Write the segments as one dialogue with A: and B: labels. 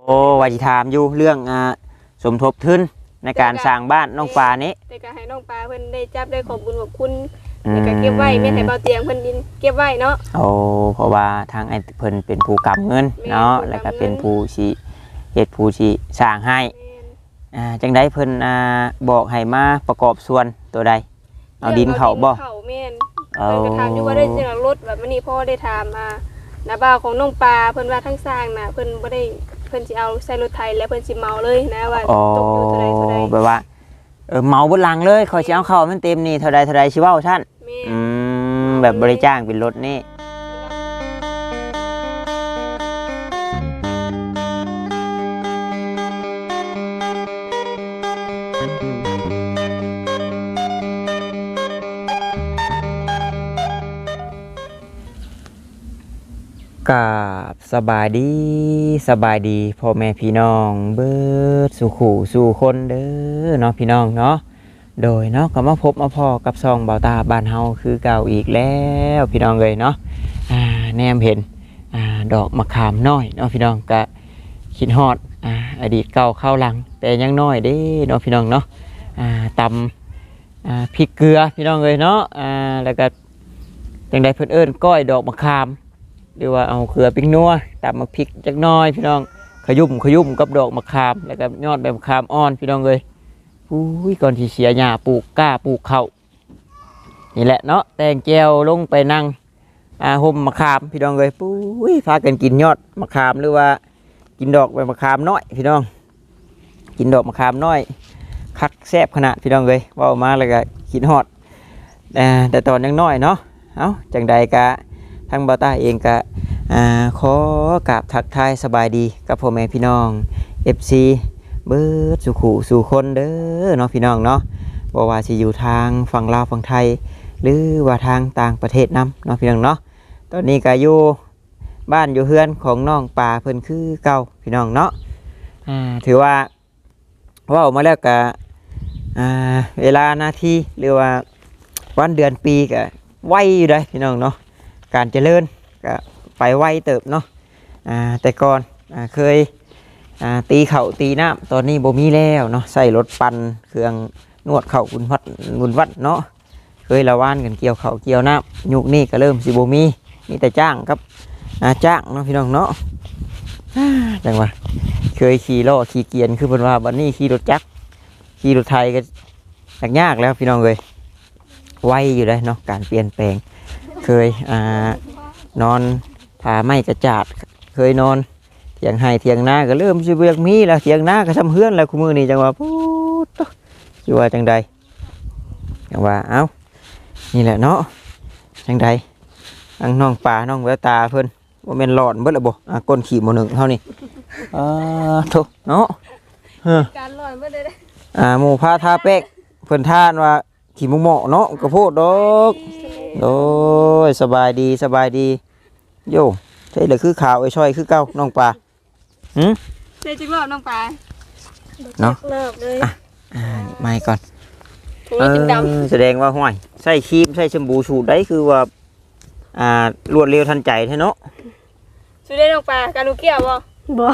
A: โอ้ว่าสิถามอยู่เรื่องสมทบทุนในการสร้างบ้านน้องปลานี้
B: แต่ก็ให้น้องปลาเพิ่นได้จับได้ขอบคุญขอบคุณแล้วก็เก็บไว้แม่ให้เบาเตียงเพิ่นดินเก็บไว้เนาะ
A: โอ้เพราะว่าทางไอ้เพิ่นเป็นผู้กำเงินเนาะแล้วก็เป็นผู้สิเฮ็ดผู้สิสร้างให้จังได๋เพิ่นบอกให้มาประกอบส่วนตัวใดเอาดินเข้าบ่
B: เข้าแม่นเพิ่นก็ถามอยู่ว่าได้จังรถแบบมื้อนี้พ่อได้ถามน้าบ่าวของน้องปลาเพิ่นว่าทั้งสร้างน่ะเพิ่นบ่ได้เพิ่นสิเอาใส่รถไถแล้วเพิ่นสิเมาเลยนะว่าตกอยู่เท่าใด
A: แบบว่าเมาเบิดหลังเลยขอยสิเอาเข้ามันเต็มนี่เท่าใดสิเว้าซั่นแบบบริจ้างเป็นรถนี่กับสบายดีพ่อแม่พี่น้องเบิดสู่ขู่สู่คนเด้อเนาะพี่น้องเนาะโดยเนาะก็มาพบมาพอกับซองเบาตาบ้านเฮาคือเก่าอีกแล้วพี่น้องเลยเนาะแนมเห็นดอกมะขามน้อยเนาะพี่น้องก็คิดฮอดอดีตเก่าเข้าหลังแต่ยังน้อยเด้เนาะพี่น้องเนาะตำพริกเกลือพี่น้องเลยเนาะแล้วก็จังใดเพิ่นเอิ้นก้อยดอกมะขามหรือว่าเอาเกลือปิ้งนัวตำมะพริกจักน้อยพี่น้องขยุ่มกับดอกมะขามแล้วก็ยอดใบมะขามอ่อนพี่น้องเลยก่อนที่เสียหญ้าปลูกกล้าปลูกข้าวนี่แหละเนาะแตงแก้วลงไปนั่งห่มมะขามพี่น้องเลยพากันกินยอดมะขามหรือว่ากินดอกใบมะขามน้อยพี่น้องกินดอกมะขามน้อยคักแซ่บขนาดพี่น้องเลยว่ามาแล้วก็กินฮอดแต่ตอนยังน้อยเนาะเอาจังใดกะทางเบาตาเองกะขอกราบทักทายสบายดีกับพ่อแม่พี่น้อง FC เบิดสู่ขู่สู่คนเด้อเนาะพี่น้องเนาะบ่ว่าสิอยู่ทางฝั่งลาวฝั่งไทยหรือว่าทางต่างประเทศนำเนาะพี่น้องเนาะตอนนี้ก็อยู่บ้านอยู่เฮือนของน้องปลาเพิ่นคือเก่าพี่น้องเนาะถือว่าออกมาแล้วก็เวลานาทีหรือว่าวันเดือนปีก็ไวอยู่ได้พี่น้องเนาะการเจริญก็ไปไวเติบเนาะแต่ก่อนเคยตีเข่าตีน้ำตอนนี้บ่มีแล้วเนาะใส่รถปั่นเครื่องนวดเข่าบุญวัดเนาะเคยละว่านกันเกี่ยวเข่าเกี่ยวน้ำยุคนี้ก็เริ่มสิบ่มีแต่จ้างครับจ้างเนาะพี่น้องเนาะจังว่าเคยขี่ล้อขี่เกียนคือเพิ่นว่าบัดนี้ขี่รถจักรขี่รถไทยก็ยากแล้วพี่น้องเลยไวอยู่เลยเนาะการเปลี่ยนแปลงเคยนอนผาไม้กระจาดเคยนอนเถียงไห้เถียงนาก็เริ่มสิเวียกมีแล้วเถียงนาก็ทำเฮือนแล้วคู่มือนี่จังว่าพูดอยู่ว่าจังใดจังว่าเอ้านี่แหละเนาะจังใดทั้งน้องปลาน้องแววตาเพิ่นว่าเป็นหลอนเบิดละบ่ก้นขี่หมอหนึ่งเท่านี้ทุกเนาะ
B: การหลอนเบิดได้
A: หมู่พาทาเป๊กเพิ่นท่านว่าขี่มุงเหมาะเนาะกระโพดดอกโอ้ยสบายดีโย่ใช่เลยคือขาวไอ้ช่อยคือเก้าน้องปลา
B: ใช่จังรอบน้องปลา
A: เนาะ
B: รอบเลย
A: ไม่ก่อนแสดงว่าห้อยใส่ครีมใส่แชมพูสูตรได้คือว่ารวดเร็วทันใจใช่เนาะ
B: สูตรได้น้องปลาการลูกเกี่ยวบ่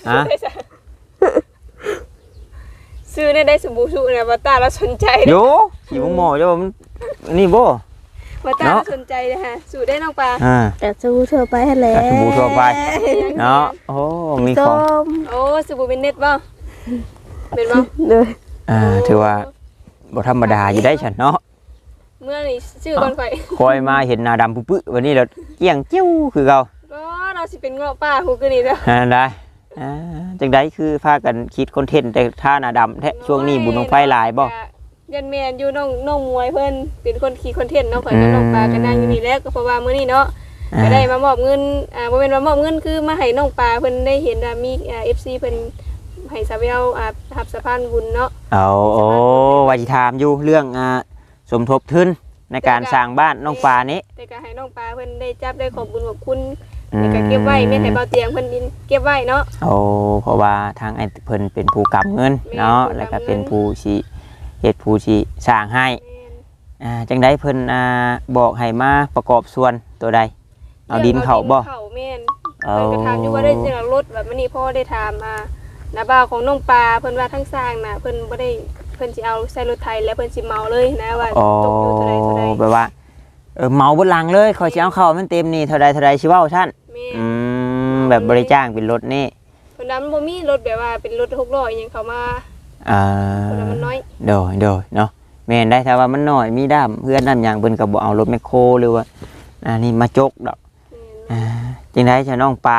B: ซื้อได้สมบูรณ์สูตรเนี่ยบัตตาเราสนใจ
A: โยขี่มุงเหมาะจะว่ามันนี่บ่
B: บัตตาเราสนใจเลยฮะสูตรได้น้องปลา
C: แต่สบู่ทั่วไปแหละ
A: สบู่ทั่วไปเนาะโอ้มีของ
B: โอ้สบู่เป็นเน็ตบ่เป็นบ่
C: เลย
A: ถือว่าบ่ธรรมดาอยู่ได้ฉันเนาะ
B: เมื่อนี่ชื่อก่อน
A: คอยมาเห็นหน้าดำปุ๊บวันนี้เราเกี้ยงเจี้ยวคือเรา
B: เราสิเป็นเงาะป้าหูกันนี่แล้ว
A: ได้จังได้คือพากันคิดคอนเทนต์แต่ท่าหน้าดำแท้ช่วงนี้บุญของไฟลายบ่
B: ยันแมนอยู่น้องมวยเพิ่นเป็นคนขี่คอนเทนต์เนาะข่อยกับน้องปลากันนั่งอยู่นี่แล้วก็เพราะว่ามื้อนี้เนาะก็ได้มามอบเงินบ่แม่นว่ามอบเงินคือมาให้น้องปลาเพิ่นได้เห็นว่ามีFC เพิ่นให้สาวเวลรับสะพานบุญเนาะ
A: โอ้ว่าสิถามอยู่เรื่องสมทบทุนในการสร้างบ้านน้องปลานี้
B: แต่ก็ให้น้องปลาเพิ่นได้จับได้ขอบคุญขอบคุณแล้วก็เก็บไว้แม่ให้เบาเตียงเพิ่นดินเก็บไว้เนาะ
A: เพราะว่าทางไอ้เพิ่นเป็นผู้กำเงินเนาะแล้วก็เป็นผู้สิเฮ็ดผู้สิสร้างให้จังได๋เพิ่นบอกให้มาประกอบส่วนตัวใดเอาดินเข้าบ่
B: เข้าแม่น
A: เอา
B: เพิ่นก็ถามอยู่ว่าได้จังรถแบบมื้อนี้พ่อได้ถามน้าบ่าวของน้องปลาเพิ่นว่าทั้งสร้างน่ะเพิ่นบ่ได้เพิ่นสิเอาใส่รถไถแล้วเพิ่นสิเมาเลยนะว่า
A: อ๋อ
B: ตกอยู่เท่าใด
A: แบบว่าเหมาเบนหลังเลยขอยสิเอาเข้ามันเต็มนี่เท่าใดสิเว้าซั่น
B: แม่
A: แบบบริจ้างเป็นรถนี่
B: เพิ่นนั้นบ่มีรถแบบว่าเป็นรถ6ล้ออีหยังเข้ามา
A: อ่า
B: เพิ่นว่ามันน้อย
A: โดยเนาะแม่นได้ถ้าว่ามันน้อยมีด้ามเพื่อนด้ามหยังเพิ่นก็บ่เอารถแมคโครหรือว่านี่มาจกดอกจังได๋จะน้องปลา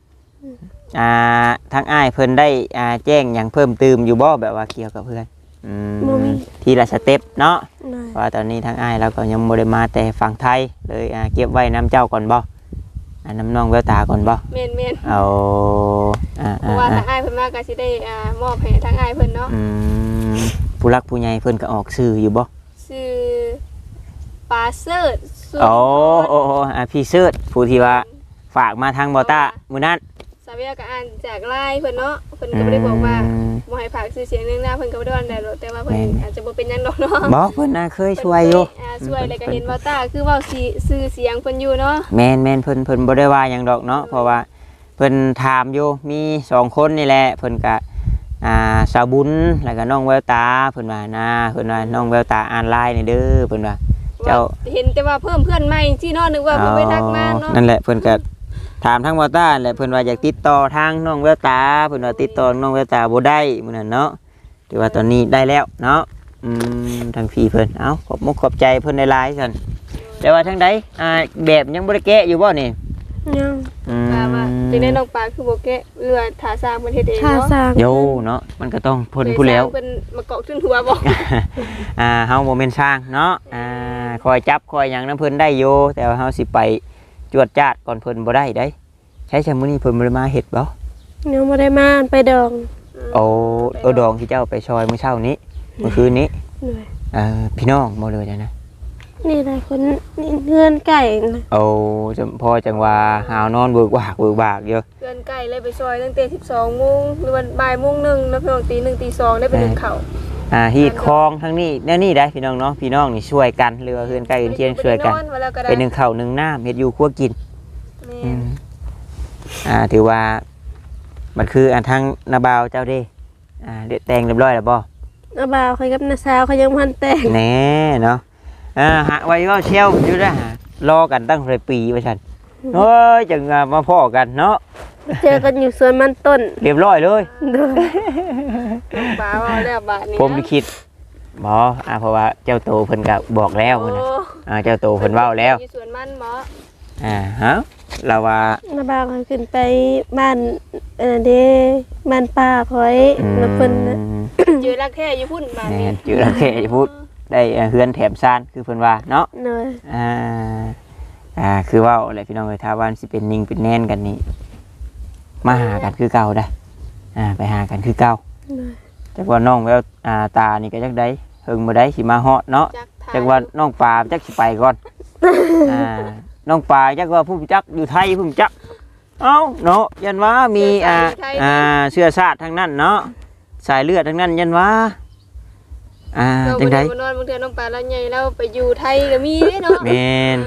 A: ทางอ้ายเพิ่นได้แจ้งหยังเพิ่มเติมอยู่บ่แบบว่าเกี่ยวกับเพื่อนทีละสเต็ปเนาะเพราะว่าตอนนี้ทางอ้ายเราก็ยังบ่ได้มาแต่ฝั่งไทยเลยเก็บไว้น้ำเจ้าก่อนบ่น้ำน้องแววตาก่อนบ่
B: แม่น
A: เอา
B: เพราะว่าทางอ้ายเพิ่นมาก็สิได้มอบให้ทางอ้ายเพิ่นเนาะ
A: ผู้รักผู้ใหญ่เพิ่นก็ออกชื่ออยู่บ่
B: ชื่อปาเซิร์ด
A: โอ้พี่เสิร์ชผู้ที่ว่าฝากมาทางบอต้ามื้อนั้น
B: สาวเวียก็อ่านจากไลน์เพิ่นเนาะเพิ่นก็บ่ได้บอกว่าบ่ให้ฝากชื่อเสียงนึงหน้าเพิ่นก็บ่ได้ว่าได้หรอกแต่ว่าเพิ่นอาจจะบ่เป็นหยังดอกเนาะ
A: บอกเพิ่นน่ะเคยช่วยอยู่
B: ช่วยแล้วก็เห็นว่าตาคือเว้าชื่อเสียงเพิ่นอยู่เนาะ
A: แม่นเพิ่นบ่ได้ว่าหยังดอกเนาะเพราะว่าเพิ่นถามอยู่มี2คนนี่แหละเพิ่นก็สาวบุญแล้วก็น้องแววตาเพิ่นว่าเพิ่นว่าน้องแววตาอ่านไลน์นี่เด้อเพิ่นว่าเจ้า
B: เห็นแต่ว่าเพิ่มเพื่อนใหม่ที่เนาะนึกว่าเพิ่นไปทักมาเนาะ
A: นั่นแหละเพิ่นก็ถามทางบอต้าแหละเพิ่นว่าอยากติดต่อทางน้องแววตาเพิ่นว่าติดต่อน้องแววตาบ่ได้มื้อนั้นเนาะถือว่าตอนนี้ได้แล้วเนาะทางพี่เพิ่นขอบมุกขอบใจเพิ่นหลายๆซั่นแต่ว่าทางใดแบบยังบ่ได้แกะอยู่บ่นี่
C: ยัง
B: ว่าจังได๋น้องปลาคือบ่แกะเรือถาสร้างเพิ่นเฮ็ดเอง
C: ค่า
B: เนาะ
C: สร้าง
A: โยเนาะมันก็ต้องเพิ่นผู้แล้ว
B: เพิ่นมาเกาะขึ้นหัวบ่
A: เฮาบ่แม่นสร้างเนาะคอยจับคอยหยังนำเพิ่นได้อยู่แต่ว่าเฮาสิไปจวดจาดก่อนเพิ่นบ่ได้เด้ใช้มื้อนี้เพิ่นบ่ได้มาเฮ็ดบ่
C: ยังบ่ได้มาไปดอง
A: โอ้ดองที่เจ้าไปซอยมื้อเช้านี้เมื่อคืนนี้
C: หน่อย
A: พี่น้องบ่เลยนะ
C: นี่หลายคนนี่เพื่อนไก่นะ
A: พอจังว่าหาวนอนเบิกบากอยู่
B: เพื่อนใกล้เลยไปซอยตั้งแต่ 12:00 นหรือว่าบ่ายโมงหนึงแล้วเพิ่นตี 1ตี 2ได้ไปนึ่งข้าว
A: ฮีดคลองทั้งนี้แนวนี้ได้พี่น้องเนาะพี่น้องนี่ช่วยกันหรือว่าเพื่อนใกล้เพื่อนเคียงช่วยกันเป็นหนึ่งข้าวหนึ่งน้ำเฮ็ดอยู่ครัวกินถือว่ามันคือทางนาบาวเจ้าเด้เด็ดแต่งเรียบร้อยแล้วบ่
C: อาบ่าวเขากับน้าสาวเขายังพันแต่ง
A: แน่เนาะหาไว้ว่าเชลอยู่นะรอกันตั้งหลายปีว่าฉันเฮ้ยจังมาพ่อกันเนาะ
C: เจอกันอยู่สวนมันต้น
A: เรียบร้อยเลย
B: ปลาว่าแล้วบาดนี้
A: ผมคิดบ่เพราะว่าเจ้าโตเพิ่นก็บอกแล้วพุ่นน่ะเจ้าโตเพิ่นเว้าแล้ว
B: อยู่สวนมันบ่
A: ฮะเราว่า
C: อาบ่าวเขาขึ้นไปบ้านเด้บ้านป้าคอยแล้วเพิ่นน่ะ
B: เจอรักแท้อยู่พุ่นบาด
A: แม่
B: นี้
A: จือละแค่พูดได้เฮือนแถมซ่านคือเพิ่นว่าเนาะ
C: หน่อย
A: คือเว้าอะไรพี่น้องเอ้ยถ้าว่าสิเป็นนิ่งเป็นแน่นกันนี่มาหากันคือเก่าได้ไปหากันคือเก่า
C: หน่อย
A: จักว่าน้องแววตานี่ก็จักได้เฮิงบ่ได้สิมาฮอดเนาะจักว่าน้องปลาจักสิไปก่อนน้องปลาจักว่าผู้จักอยู่ไทยผู้จักเอ้าเนาะยันว่ามีเชื้อชาติทั้งนั้นเนาะสายเลือดทั้งนั้นยันว่าจังได๋
B: นอนบางเทื่อน้องปลาแล้วใหญ่แล้วไปอยู่ไทยก็มีเด้เนาะ
A: แม่น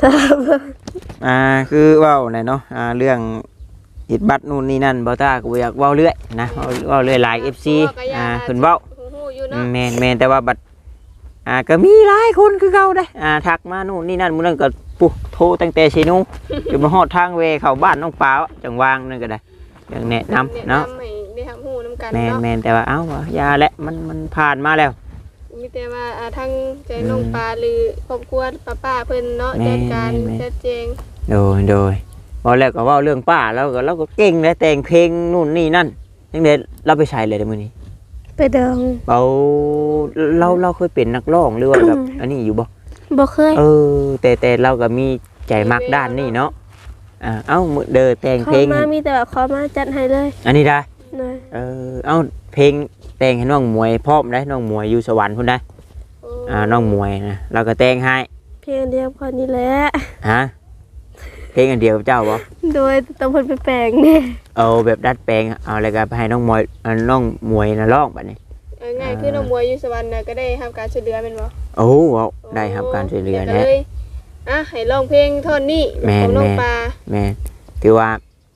A: คือเว้าไหนเนาะเรื่องอิดบัตรนู่นนี่นั่นบ่ตาก็บ่อยากเว้าเรื่อยนะเว้าเรื่อยหลาย FC เพิ่นเว้าแม่นแต่ว่าบัดก็มีหลายคนคือเก่าได้ทักมานู่นนี่นั่นมื้อนั้นก็ปุ๊โทรตั้งแต่สินูจนมาฮอดทางเวเข้าบ้านน้องปลาจังวางนั่นก็ได้อย่างแนะนำเนาะ
B: ให้ได้รับรู้นำกัน
A: แม่
B: เนาะ
A: นแต่ว่าเอ้ายาและมันผ่านมาแล้ว
B: มีแต่ว่าทั้งใจน้องปลาหรือครอบครัวป้าเพิ่นเนาะจัดการชัดเจน
A: โดยพอแล้วก็เว่าเรื่องป้าแล้วก็เราก็เก่งนะแต่งเพลงนู่นนี่นั่นยังเด็ดเราไปใช้เลยในมือนี้
C: ไปดอง
A: เราเคยเป็นนักร้องหรือว่าแบบ อันนี้อยู่บ่
C: บ่เคย
A: แต่เราก็มีใจมักด้านนี้เนาะมือเดินแต่งเพลง
C: ขอมามีแต่ว่าขอมาจัดให้เลย
A: อันนี้ได้
C: หน่อย
A: เพลงแต่งให้น้องมวยพร้อมได้น้องมวยอยู่สวรรค์พุ่นได้น้องมวยนะเราก็แต่งให้
C: เพียงเดียวพอนี่แหละ
A: ฮะเพลงอันเดียวเจ้าบ่
C: โดยต้องเพิ่นไปแปลงนี่
A: แบบดัดแปลงเอาอะไรกันไปให้น้องมวยนะร้องบัดนี้
B: ง่ายคือน้องมวยอยู่สวรรค์น่ะก็ได้รับการช่วยเหลือแม่นบ่
A: ได้รับการช่วยเหลือ
B: แล้
A: แน่
B: ให้ร้องเพลงท่อนนี้ของน้องปลา
A: แม่ถือว่า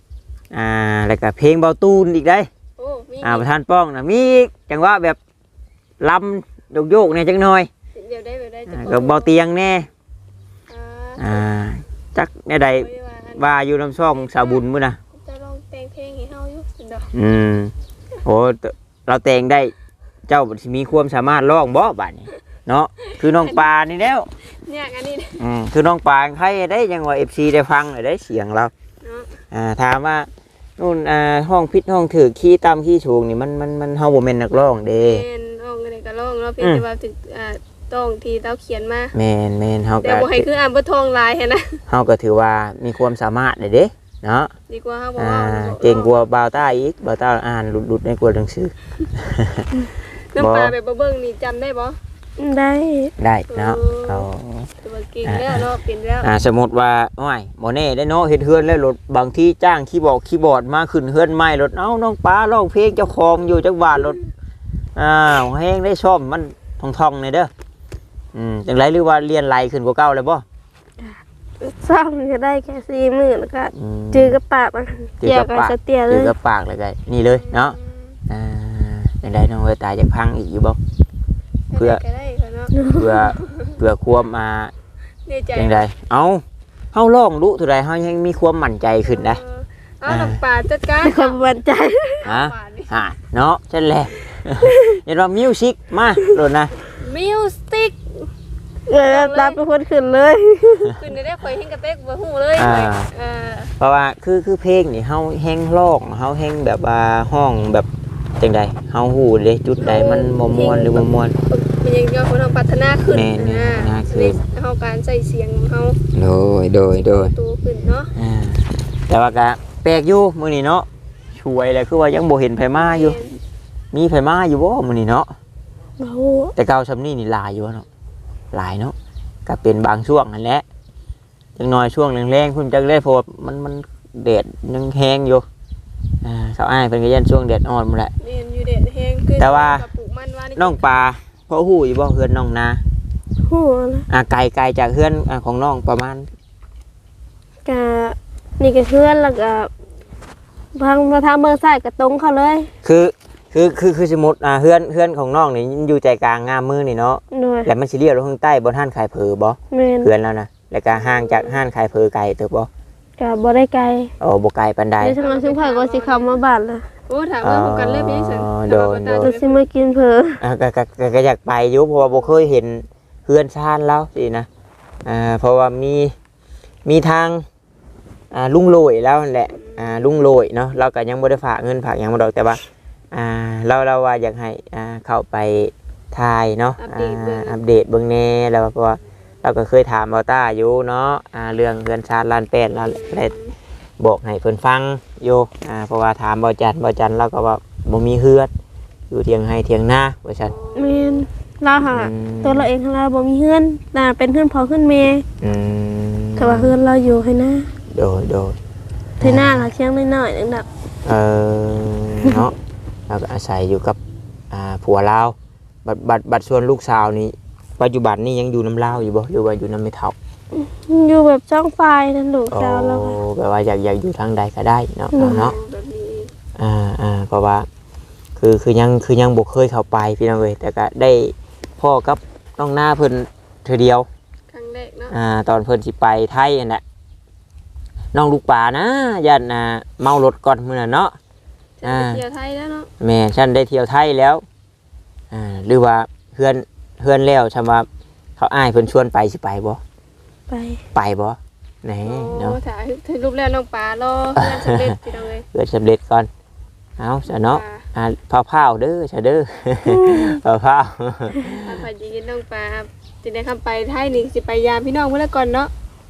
A: แล้วก็เพลงเบาตูนอีกได้
B: โอ้มี
A: ประธานป้องน่ะมีอีกจังหวะแบบลำโยกๆเนี่ยจังหน่อย
B: เดี๋ยวได้จะ
A: กับเบาเตียงแน่
B: อ่า
A: จักแน่ใดว่าอยู่น้ำช่องสาวบุญมื้อน่ะ
B: จะลองแต่งเพลงให้เฮาอยู่สิดอก
A: โอ้เราแต่งได้เจ้าสิมีความสามารถร้องบ่บัดนี้เนาะคือน้องปลานี่แล้ว
B: เนี่ยอันนี้
A: คือน้องปลาใครได้ยังว่า FC ได้ฟังได้เสียงเรา
B: เนาะ
A: ถามว่านู่นห้องพิษห้องถือขี้ตามขี้ชูงนี่มันเฮาบ่แม่นนักร้องเด้
B: แม่นร้องอะไรก็ร้องเนาะเพียงแต่ว่าถึงต้องที่เราเขียนมา
A: แม่นเฮา
B: แต่
A: ก็
B: บ่ให้คืออ่านบ่ทองลายแค่นะ
A: เฮาก็ถือว่ามีความสามารถเด้เนาะ
B: ดีกว่าเฮาบ่ว่า
A: เก่งกว่าบ่าวต้าอีกบ่าวต้าอ่านหลุดในกว่าหนังสือ
B: น้ำปลาแบบบ่เบิ่งนี่จำได้บ่
C: ได้
A: ได้เนาะเอา
B: แต่ว่าเก่งแล้วเนาะเป็นแล้ว
A: สมมุติว่าโอ้ยบ่แน่ได้เนาะเฮ็ดเฮือนแล้วรถบางที่จ้างคีย์บอร์ดมาขึ้นเฮือนใหม่รถเอ้าน้องปลาร้องเพลงเจ้าของอยู่จักบาทรถแฮงได้ซ่อมมันท่องๆนี่เด้อจังไรหรือว่าเรียนไรขึ้นกว่าเก่าเลยบ่
C: ซ่อมก็ได้แค่4 มื้อแล้วก็จือกับปากมันเกี่ยวกับสเตียเล
A: จือย กับปากเลยก็นี่เลยเนาะจังไรน้องเวยตายจะพังอีกอยู่บ่ เพื่อ
B: ก็ได้ก็เนาะ
A: เพื่อความ
B: ในใจ
A: จังไดเอ้าเฮาร้องรู้เท่าใดเฮายังมีความมั่นใจขึ้นได้
B: เอาน้ำปลาจัดการ
C: มีความมั่นใจ
A: ฮะเนาะใช่แหละเห็นว่ามิวสิกมาโดนนะ
B: มิวสิก
C: รับเป็นคนขึ้นเลย
B: ขึ้นได้ข่อยเฮงกระเตกบ่ฮู้เลย
A: เพราะว่าคือเพลงนี่เฮาแฮงร้องเฮาแฮงแบบว่าห้องแบบจังใดเฮาฮู้เด้จุดใดมันบ่ม่วนหรือบ่ม่วน
B: เป็นยังก็คนพัฒนาขึ้น
A: แม่น
B: เฮาการใส่เสียงเฮา
A: โดย
B: ตัวขึ้นเนาะ
A: แต่ว่าก็แปลกอยู่มื้อนี้เนาะช่วยแล้วคือว่ายังบ่เห็นไผมาอยู่มีไผมาอยู่บ่มื้อนี้เนาะ
C: โอ้
A: แต่เก่าซำนี้นี่หลายอยู่เนาะหลายเนาะก็เป็นบางช่วงนั่นแหละจังน้อยช่วงแรงๆเพิ่นจักได้เพราะมันแดดยังแห้งอยู่สาวอ้ายเพิ่นก็ยันช่วงแดดอ่อนหมดแหละ
B: แม่นอยู่แดดแห้งคือ
A: แต่ว่า
B: ปลูกมันว่านี่
A: น้องปลาเพราะฮู้อยู่บ่เฮือนน้องนา
C: โหนะ
A: ไกลจากเฮือนของน้องประมาณ
C: กะนี่ก็เพื่อนแล้วก็ทางมาทางเมืองซ้ายก็ตรงเขาเลย
A: คือสมมุติเฮือนของน้องนี่อยู่ใจกลางงามมือนี่เนาะ
C: หน่วย
A: แล้วมันสิเลี้ยวลงทางใต้บ่ห้านขายเผอบ่
C: แม่น
A: เฮือนแล้วนะแล้วก็ห่างจากห้านขายเผอไกลเติบบ่
C: กะบ่ได้ไกล
A: บ่ไกลปานใด
C: เดี๋ยวทางนั้นซึ่งไผก็สิเข้ามาบ้านละ
B: โอ้ถามว่าพบกันเลยพี่สัน
C: ก็สิมากินเผลอ
A: ก็อยากไปอยู่เพราะว่าบ่เคยเห็นเฮือนชานแล้วสินะเพราะว่ามีทางลุงโรยแล้วนั่นแหละลุงโรยเนาะเราก็ยังบ่ได้ฝากเงินฝากหยังบ่ดอกแต่ว่าเราว่าอยากให้เข้าไปถ่ายเนาะอัปเดตเบิ่งแน่แล้วเพราะว่าเราก็เคยถามบ่าวต้าอยู่เนาะเรื่องเฮือนชานล้านแปดแล้วได้บอกให้เพิ่นฟังอยู่เพราะว่าถามบ่จันเราก็ว่าบ่มีเฮือนอยู่เถียงให้เถียงนาว่าซั่น
C: แม่นเราหาตัวเราเองเราบ่มีเฮือนน่ะเป็นเฮือนพ่อเฮือนแม่แต่ว่าเฮือนเราอยู่ให้นะ
A: โดย
C: ที่หน้าล่ะเคียงน้อยๆนึงดอก
A: เนาะเราก็อาศัยอยู่กับผัวลาวบัดส่วนลูกสาวนี่ปัจจุบันนี่ยังอยู่น้ำลาวอยู่บ่หรือว่าอยู่น้ำไม่เท่า
C: อยู่แบบช่องไฟนั่นลูกสาวเรา
A: แบบว่าอยากอยู่ทางใดก็ได้เนาะเนาะ
B: แบบนี้
A: เพราะว่าคือยังบ่เคยเข้าไปพี่น้องเอ้ยแต่ก็ได้พ่อกับน้องหน้าเพิ่นเธอเดียว
B: ครั้งแรกเนาะ
A: ตอนเพิ่นสิไปไทยนั่นแหละน้องลูกป่านะยันเมารถก่อนมื้อนั้นเนาะ
B: จะไปเที่ยวไทยแล้วเนาะ
A: แม่ฉันได้เที่ยวไทยแล้วหรือว่าเพื่อนแล้วฉันว่าเขาอ้ายเพิ่นชวนไปสิไปบ่
C: ไป
A: บ่ไหน
B: โอ้
A: เนาะ
B: ถ่ายรูปแล้วน้องปลารอเพื่อนสำเร็จพี่น้องเลย
A: เกิดสำเร็จก่อนเอาซะเนาะพาวๆเด้อซะเด้อพาว
B: ถ้าพอจะยินน้องปลาจะได้คำไปไทยนี่สิไปยามพี่น้องเมื่อก่อนเนาะ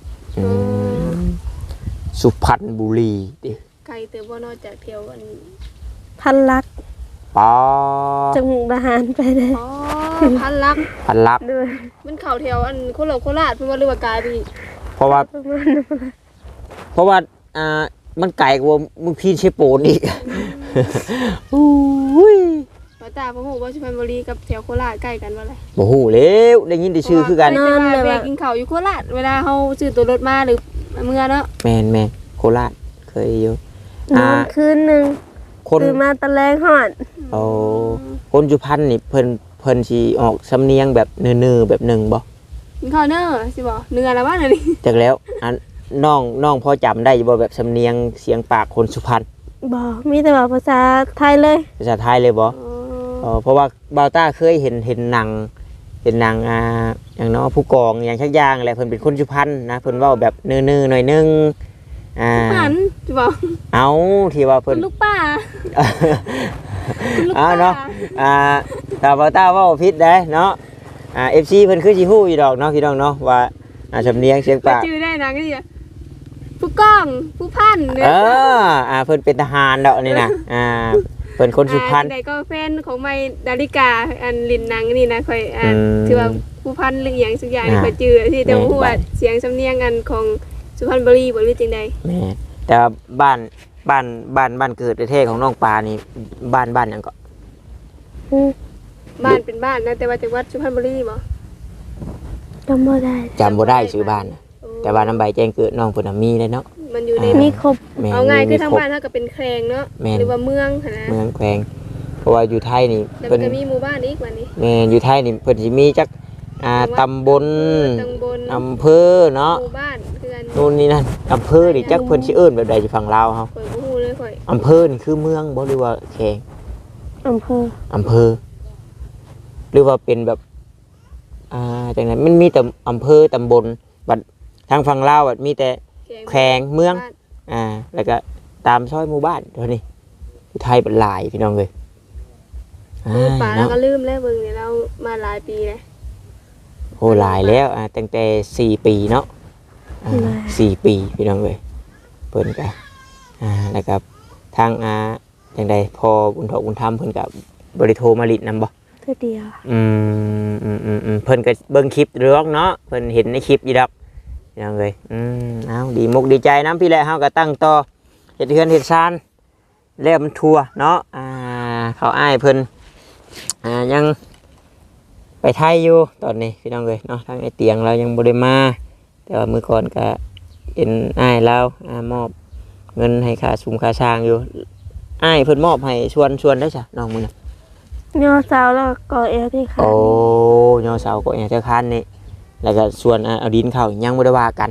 A: สุพรรณบุรีดิ
B: ไกลเติบบ่นอกจากเที่ยวอัน
C: พันลัก
A: ปอ
C: จังหวัดทหารไปได้
B: อ๋อพันลัก
A: พันลับ
C: ด้วย
B: มันเข่าแถวอันโคราชเพิ่นว่าเรือว่ากายพี่
A: เพราะว่ามันไกลกว่ามึงพีนเชโปนอีกอุ้ย
B: ป้าตาพ่อฮู้ว่าสุพรรณบุรีกับแถวโคราชใกล้กันบ่ล่ะ
A: บ่ฮู้แล้วได้ยินแต่ชื่อคือกัน
B: นั่นเลยว่ากินข้าวอยู่โคราชเวลาเฮาซื้อตัวรถมาหรือเมื่อเนาะ
A: แม่นโคราชเคยอยู่
C: นอนคืนหนึง
A: คน
C: ตื่นมาตะแลงฮอด
A: โอ้คนสุพรรณนี่เพิ่นสิออกสำเนียงแบบเนื้อๆแบบหนึ่งบ่
B: กินข้าวเน้อสิบ่เนื้อแล้วว่านี่
A: จักแล้วอันน้องพอจำได้อยู่บ่แบบสำเนียงเสียงปากคนสุพรรณ
C: บ่มีแต่ว่าภาษาไทยเลย
A: ภาษาไทยเลยบ่เพราะว่าบาวต้าเคยเห็นหนังอย่างเนาะผู้กองอย่างชักอย่างอะไรเพิ่นเป็นคนสุพรรณนะเพิ่นเว้าแบบเนื้อๆหน่อยนึง
B: หันสิบ่
A: เอาที่ว่าเพิ่น
B: ลูกป้าลูก
A: เอา
B: ป้า
A: เนาะถ้าบาวต้าเว้าผิดได้เนาะFC เพิ่นคือสิฮู้อยู่ดอกเนาะพี่น้องเนาะว่าสำเนียงเสียงปาก
B: ชื่อได้นะก็สิผู้กองผู้พันเนี่ย
A: เพิ่นเป็นทหารดอกนี่นะเพิ่นคนสุพรรณ
B: ใดก็แฟนของไมดาริกาอันลินหนังนี่นะค่อยถือว่าผู้พันหรือหยังสักอย่างนี่ค่อยจื้อที่แต่ฮู้ว่าเสียงสำเนียงอันของสุพรรณบุรีบ่รู้จังได๋
A: แม่แต่ว่าบ้านเกิดประเทศของน้องปลานี่บ้านหยังก็
B: บ้านเป็นบ้านนะแต่ว่าจังหวัดสุพรรณบุรีบ่
C: จำบ่ได้
A: จำบ่ได้ชื่อบ้านนะแต่ว่าน้ำใบแจ้งเกิดน้องเพิ่นน่ะมีเลยเนาะ
B: มันอยู่ใน
C: มีครบ
A: แม่น
B: เอาง่ายคือ
A: มี
B: ทาง
A: ครบ
B: บ้านเฮาก็เป็นแครงเนาะ
A: แม่น
B: หรือว่าเมืองหั่นนะ
A: เมืองแขวงเพราะว่าอยู่ไทยนี่
B: แล้ว
A: เพิ่
B: มัน
A: น
B: ก็มีหมู่บ้านอีกว่านี้
A: แม่อยู่ไทยนี่เพิ่นสิมีจักตำบล
B: ตำบล
A: อำเภอเนาะ
B: หมู่บ้านคือกัน
A: นู่นนี่นั่นอำเภอนี่จักเพิ่นสิเอิ้นแบบใดสิฝั่งลาวเฮา
B: ข่อยบ่ฮู้เลยข่อย
A: อำเภอนี่คือเมืองบ่หรือว่าแขวง
C: อำเภอ
A: อำเภอหรือว่าเป็นแบบจังไดมันมีแต่อำเภอตำบลบัดทางฝั่งลาวมีแต่แขวงเมืองแล้วก็ตามซอยหมู่บ้านเท่านี้อยู่ไทยเป็นหลายพี่น้องเอ้ย
B: ป่าเราก็ลืมแล้วเบิ่งเนี่ยเรามาหลายปีแล้ว
A: โหหลายแล้วตั้งแต่4 ปีเนาะ4 ปีพี่น้องเอ้ยเพิ่นก็แล้วก็ทางจังไดพอบุญถกบุญธรรมเพิ่นก็บริโทรมาลิดนำบ่
C: เทื่อเดียว
A: เพิ่นก็เบิ่งคลิปเรื่องเนาะเพิ่นเห็นในคลิปอยู่ดอกพี่น้องเอ้ยเอาดีมุกดีใจนํพี่แหละเฮาก็ตั้งต่อเฮ็ดเฮือนเฮ็ดซานแล้วมันทั่วเนาะเขาอ้ายเพิ่นยังไปไทยอยู่ตอนนี้พี่น้องเอ้ยเนาะทางไอ้เตียงเรายังบ่ได้มาแต่ว่ามื้อก่อนก็เห็นอ้ายเรามอบเงินให้ค่าชุมค่าช้างอยู่อ้ายเพิ่นมอบให้ชวนได้จ้ะน้องมื้อน่ะ
C: ย่อเสาแล้วก็เอวที่ขา
A: โอ้ยอเสาก็อย่างเจ้าคันนี่แล้วก็ส่วนเอาดินเข้ายังบ่ได้ว่ากัน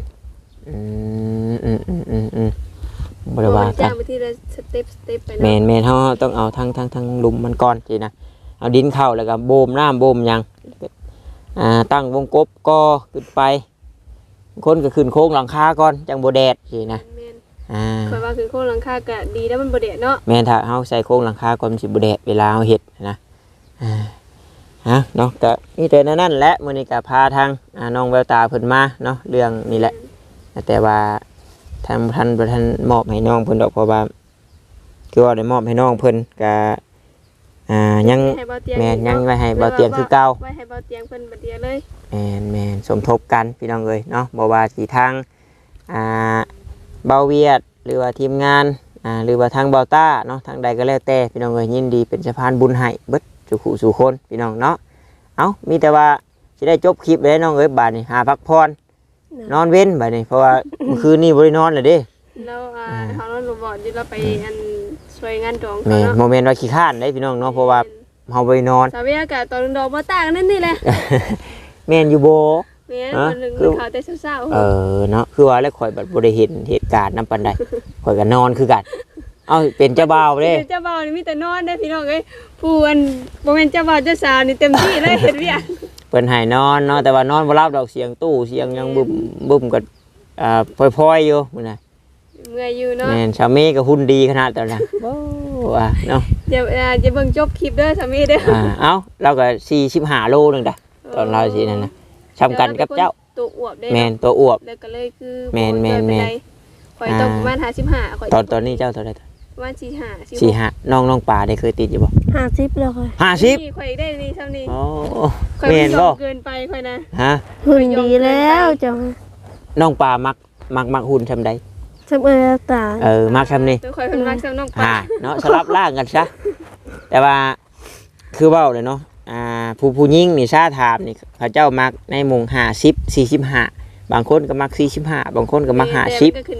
A: บ่ได้ว่ากั
B: จ้าน งไปที่ละสเต็ปไป
A: แม่
B: เนาะ
A: นเฮาต้องเอาทั้งหลุมมันก่อนสินะเอาดินเข้าแล้วก็โบมน้ำโบมหยังตั้งวงกบก็ขึ้นไปคนก็ขึ้นโค้งหลังคาก่อนจังบ่แดดสินะ
B: แม่น
A: À.
B: ข่อยว่าคือโครงหลังคาก็ดีแล้วมันบ่แดดเนาะ
A: แม่นถ้าเฮาใส่โครงหลังคาก่อนมันสิบ่แดดเวลาเฮาเฮ็ดนะเนาะก็มีแต่นั้นแหละมื้อนี้ก็พาทางน้องแววตาเพิ่นมาเนาะเรื่องนี่แหละแต่ว่าท่านมอบให้น้องเพิ่นดอกเพราะว่าคือว่าได้มอบให้น้องเพิ่นก็ยัง
B: ให้เบาเตียง
A: แม่นยังไว้ให้เบาเตียงคือเก่า
B: ไว้ให้เบาเตียงเพิ่นบัดเดียวเลย
A: แม่นสมทบกันพี่น้องเอ้ยเนาะบ่ว่าสิทางเบาเวียดหรือว่าทีมงานหรือว่าทางเบาต้าเนาะทางใดก็แล้วแต่พี่น้องเอ้ยยินดีเป็นสะพานบุญให้เบิดสู่คนพี่น้องเนาะเอามีแต่ว่าสิได้จบคลิปเลยน้องเอ้ยบาดนี้หาพักผ่อนนอนเว้นบาดนี้เพราะว่าเมื่อคืนนี้บ่ได้นอนเลยเด้
B: แล้วเฮาเราบอกอยู่เราไปอันช่วยงานดอง
A: แม่
B: เขา
A: โม
B: เนาะ
A: เมนต์ว่าขี้ข้านได้พี่น้องเนาะเพราะว่าเฮาบ่ได้นอน
B: สาวยากาศตอนดอกบ่ต่างกันนั่นนี่แหละ
A: แม่นอยู่บ่
B: แม่นมันนึงข่าวแต่เช้า
A: เนาะคือว่าแล้วข่อยบัดบ่ได้เห็นเหตุการณ์นำปานใดข่อยก็นอนคือกันเอ้าเป็นเจ้าบ่าวเด้
B: เจ้าบ่าวนี่มีแต่นอนได้พี่น้องเอ้ยผู้อันบ่แม่นเจ้าบ่าวเจ้าสาวนี่เต็มที่เลยเฮ็ดเวียก
A: เพิ่นให้นอนเนาะแต่ว่านอนบ่หลับดอกเสียงตู้เสียงยังบึ้มก็พลอยๆอยู่มื้อน่ะ
B: เมื่อยอยู่เนาะ
A: แม่นชาวเมก็หุ่นดีขนาดตอนนั้นโอ้เนาะ
B: จะเบิ่งจบคลิปเด้อสามีเด้อ
A: เอ้าเราก็45โลนึงดะตอนเราสินั่นน่ะสำคัญกับเจ้า
B: ตัวอวบได้
A: แม่นตัวอวบ
B: แล้วก็เลยคือ
A: แม่น
B: ข่อยต้องประมาณ55ข่อย
A: ตอนนี้เจ้าเท่าไหร่
B: ประมาณ45
A: 45น้องปลาได้เคยติดอยู่บ่
C: 50แล้วค่ะ
A: 50
B: ข่อยได้นี่เท่านี้
A: โอ้
B: ข่อย
A: แม่นบ่
B: เกินไปข่อยนะ
A: ฮะ
C: หุ่นดีแล้วจัง
A: น้องปลามักหุ่นซำใด
C: จำเอวตา
A: มักซำนี้
B: ตัวข่อยเพิ่นมักซ้ำน้องปลา
A: เนาะสลับร่างกันซะแต่ว่าคือเว้าเลยเนาะผู้หญิงนี่ซาถามนี่เขาเจ้ามักในหมู่50 45บางคนก็มัก45บางคนก็มัก
B: แต่
A: 50
B: ก็ขึ้นกับค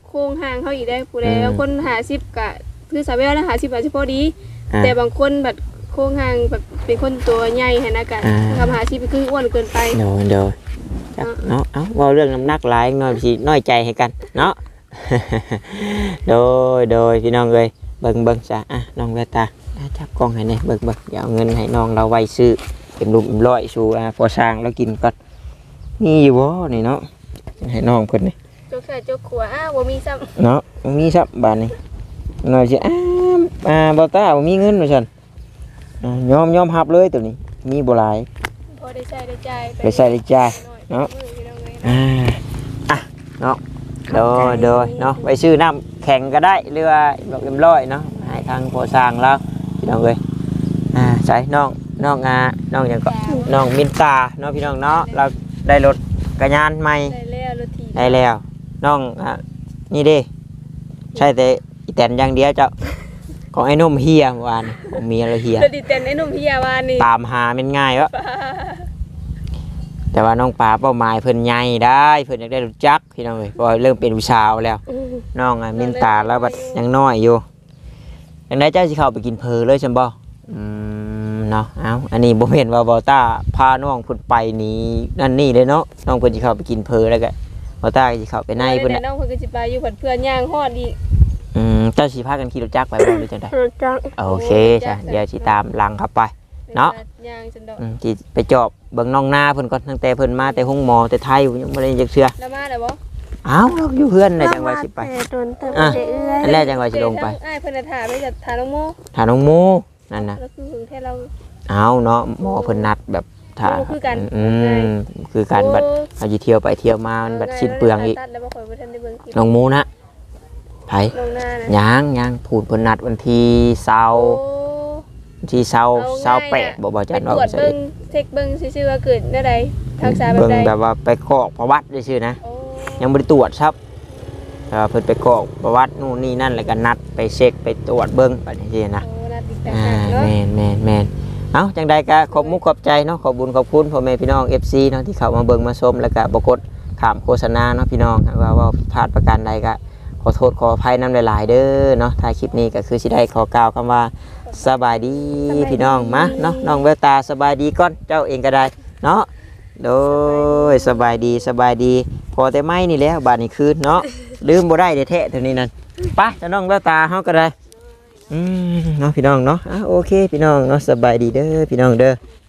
B: โครงห่างเขาอีกได้ผู้ใดบางคน50ก็คือสาวแววนะ50อาจจะพอดี แต่บางคนแบบโครงห่างแบบเป็นคนตัวใหญ่หั่นนะก็ทำ50คืออ้วนเกินไป
A: โดยจักเนาะเอ้าเว้าเรื่องน้ำหนักหลายหน่อยสิน้อยใจให้กันเนาะ โดยพี่น้องเอ้ยเบิ่งซะอ่ะน้องแววตาจับกล้องให้แน่เบิ่งเดี๋ยวเอาเงินให้น้องเราไว้ซื้อเป็นลุมร้อยสู่พอสร้างแล้วกินก่อนมีอยู่บ่นี่เนาะให้น้องเพิ่นนี่
B: โจกใส่โจกขวาบ่มีซ้ำ
A: เนาะมีซับบาดนี้หน่อยสิบ่ตาบ่มีเงินว่าซั่นยอมรับเลยตัวนี้มีบ่หลาย
B: พอได้ใช้ได้จ่าย
A: ไปใส่ได้จ่ายเนาะเนาะโดยเนาะไปซื้อน้ำแข็งก็ได้หรือว่าแบบ100เนาะให้ทางพอสร้างแล้วพี่น้องเอ้ยใส่น้องหยังก็น้องมินตาเนาะพี่น้องเนาะเราได้รถกระยานใหม่
B: ได้แล้วรถถีบ
A: ได้แล้วน้องนี่เด้ใช่แต่อีแตนอย่างเดียวเจ้าของไอ้นมเฮียเมื่อวานของเมียเราเฮีย
B: รถดีเต้นไอ้หนุ่มพี่ยาวานี่
A: ตามหาเป็นง่ายวะแต่ว่าน้องปลาเป้าหมายเพิ่นใหญ่ได้เพิ่นอยากได้รู้จักพี่น้องเอ้ยเพราะว่าเริ่มเป็นผู้สาวแล้วน้องมินตาแล้วบัดยังน้อยอยู่อย่างไรเจ้าสิเข้าไปกินเพลเลยใช่บ่เนาะเอาอันนี้บ่เห็นว่าบอต้าพาน้องเพิ่นไปนี่นั่นนี่เลยเนาะน้องเพิ่นสิเข้าไปกินเพลแล้วก็บอต้าก็สิเข้าไปในเพิ่น
B: น่ะน้องเพิ่นก็สิไปอยู่เพื่อนย่างฮอดอีก
A: เจ้าสิพากันขี่รถจักรไปบ่หรือจังได๋
C: รถจักร
A: โอเคจ้ะเดี๋ยวสิตามหลังเข้าไป เนาะ
B: ย่างจังดอก
A: สิไปจอบเบิ่งน้องนาเพิ่นก่อนตั้งแต่เพิ่นมาแต่ห้องหมอแต่ไทยยังบ่ได้จักเทื่อ
B: แล้วมาแล้วบ่
A: อ้าวเราอยู่เพื่อนน่ะจังว่าสิไป
C: แต่โดนเติม
A: อ่ะ
C: เอื้อย
A: อันแรกจังว่าสิลงไป
B: อ้ายเพิ่นน่ะถามไปจะถามน้องโม
A: ถามน้องโมนั่นน่ะ
B: แล้วคือถึงแท้เรา
A: เอาเนาะหมอเพิ่นนัดแบบถ้า
B: โอ้คือกัน
A: คือการบัดเอาสิเที่ยวไปเที่ยวมามันบัดสิ้นเปลืองอีก
B: ตัดแล้วบ่ค่อยบ่ทันได้เบิ่งคลิป
A: น้องโมนะไผ
B: ลงหน้านะ
A: ยังพูดเพิ่นนัดวันที่เสาร์
B: โอ้
A: วันที่เสาร์28บ่จัน
B: ไป
A: ว่า
B: ตรวจ
A: ใส่
B: เบิ่งเช็คเบิ่งซื่อๆว่าเกิดแนวใดทักษะแบบ
A: เบิ่ง
B: ใด
A: แบบว่าไปกรอกประวัติซื่อๆนะ
B: โอ้
A: ยังบ่ได้ตรวจครับเพิ่นไปกรอกประวัตินู่นนี่นั่นแล้วก็นัดไปเช็คไปตรวจเบิ่งบัดนี้สินะ
B: โอ้น่าติดตามเนาะ
A: แม่นเอ้าจังใดก็ขอบมุกขอบใจเนาะขอบบุญขอบคุณพ่อแม่พี่น้อง FC เนาะที่เข้ามาเบิ่งมาชมแล้วก็บ่กดข้ามโฆษณาเนาะพี่น้องว่าผิดพลาดประการใดก็ขอโทษขออภัยนำหลายๆเด้อเนาะท้ายคลิปนี้ก็คือสิได้ขอกล่าวคำว่าสบายดีพี่น้องมาเนาะน้องแววตาสบายดีก่อนเจ้าเองก็ได้เนาะโดยสบายดีพอแต่ไม่นี่แหล้วบาดนี้คืนเนาะลืมบ่ได้เด้แท้เท่านี้นั่นไปจะน้องแววตาเฮาก็ได้เนาะพี่น้องเนาะโอเคพี่น้องเนาะสบายดีเด้อพี่น้องเด้อ